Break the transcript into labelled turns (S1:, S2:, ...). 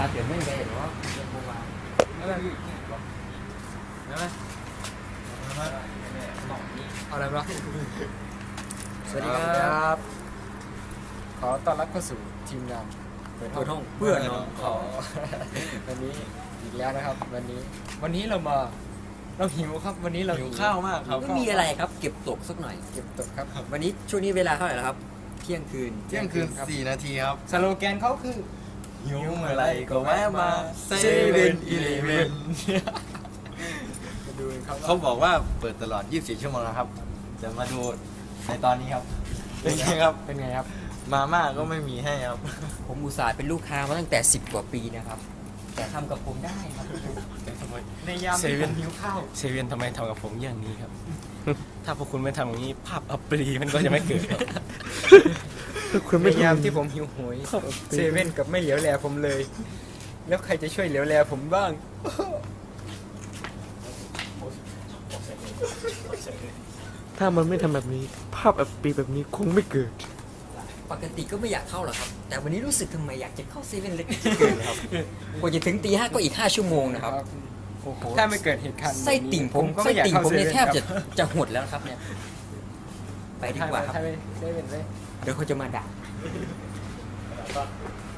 S1: าเตือนไม่ได้หรอเรื่องโมบายอะไรอะไรวะสวัสดีครับ ขอต้อนรับเข้าสู่ทีมงานเปิดห้องเพื่อนน้องขอวันนี้อีกแล้วนะครับ วันนี้เราหิวครับ วันนี้เรา
S2: หิวข้าวมากครับ
S1: ไม่มีอะไรครับ เก็บตกสักหน่อยเก็บตกครับ วันนี้ช่วงนี้เวลาเท่าไหร่แล้วครับเที่ยงคืน
S2: ครับ4 นาทีครับ
S1: สโลแกนเขาคือ
S2: หิวเมื่อไรก็แวะมา7-Eleven
S1: มาดูกันครับ
S2: เขาบอกว่าเปิดตลอด24 ชั่วโมงนะครับจะมาดูในตอนนี้ครับเป็นไงครับ
S1: เป็นไงครับ
S2: มาม่าก็ไม่มีให้ครับ
S1: ผมอุตส่าห์เป็นลูกค้ามาตั้งแต่10 กว่าปีนะครับ แต่ทำกับผมได้ครับในยามที่ผมหิวข้าว
S3: เซเว่นทำไมทำกับผมอย่างนี้ครับ ถ้าพวกคุณไม่ทำอย่างนี้ภาพอัปรีมันก็จะไม่เกิดครับ
S1: ในยามที่ผมหิวโหยเซเว่นกับไม่เหลียวแลผมเลย แล้วใครจะช่วยเหลียวแลผมบ้าง
S4: ถ้ามันไม่ทำแบบนี้ ภาพแบบปีแบบนี้คงไม่เกิด
S1: ปกติก็ไม่อยากเข้าหรอกครับ แต่วันนี้รู้สึกทำไมอยากจะเข้าเซเว่นเล็กเกินครับกว่าจะถึงตี 5ก็อีก5 ชั่วโมงนะครับ
S5: ถ้าไม่เกิดเหตุการณ์
S1: ไส้ติ่งผม
S5: ก็
S1: ไส้
S5: ไม่อยาก
S1: ติ่ง
S5: เข้า
S1: ผม
S5: เซ
S1: เนี่ย
S5: เว่น
S1: แทบจะหดแล้วครับเนี่ยไปดีกว่าครับ
S5: ถ้าไม่ได้เป็นเลย
S1: เดี๋ยวเขาจะมาด่า